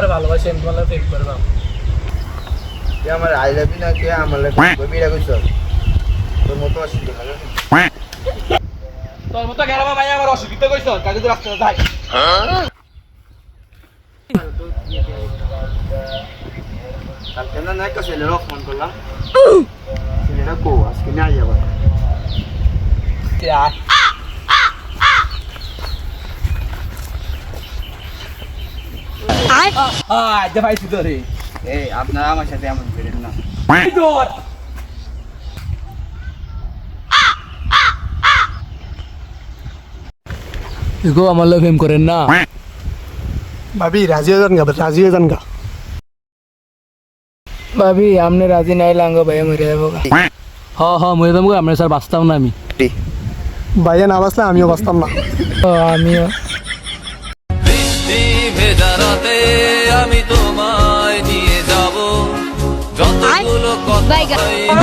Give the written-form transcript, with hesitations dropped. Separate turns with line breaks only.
আমার ভালোবাসি আমি তোমার প্রেম করবাম
তুই আমার আই লাভ ইউ না কে আমার বিড়া কইছ তোর মতো অসুবিধা লাগে
তোর মতো গেরামা ভাই আমার অসুবিধা কইছ কাজে তো রাস্তা যাই
কালকে না একটা ছেলের ফোন করলাম ছেলেটা কো আজকে নাই যাবা
পাইছি তো রে
এই আপনারা আমার সাথে এমন করেন না
গো আমার লোক প্রেম করেন না
ভাবি রাজি হয়ে যান গা
ভাবি আপনি রাজি নাই লাঙ্গো ভাই মরে যাবো মরে যাবো আমরা স্যার বাঁচতাম না আমি
ভাইয়া না বাসলে আমিও বাঁচতাম না
আমিও
বৃষ্টি ভেজা রাতে আমি তোমায় নিয়ে যাব যতগুলো কথা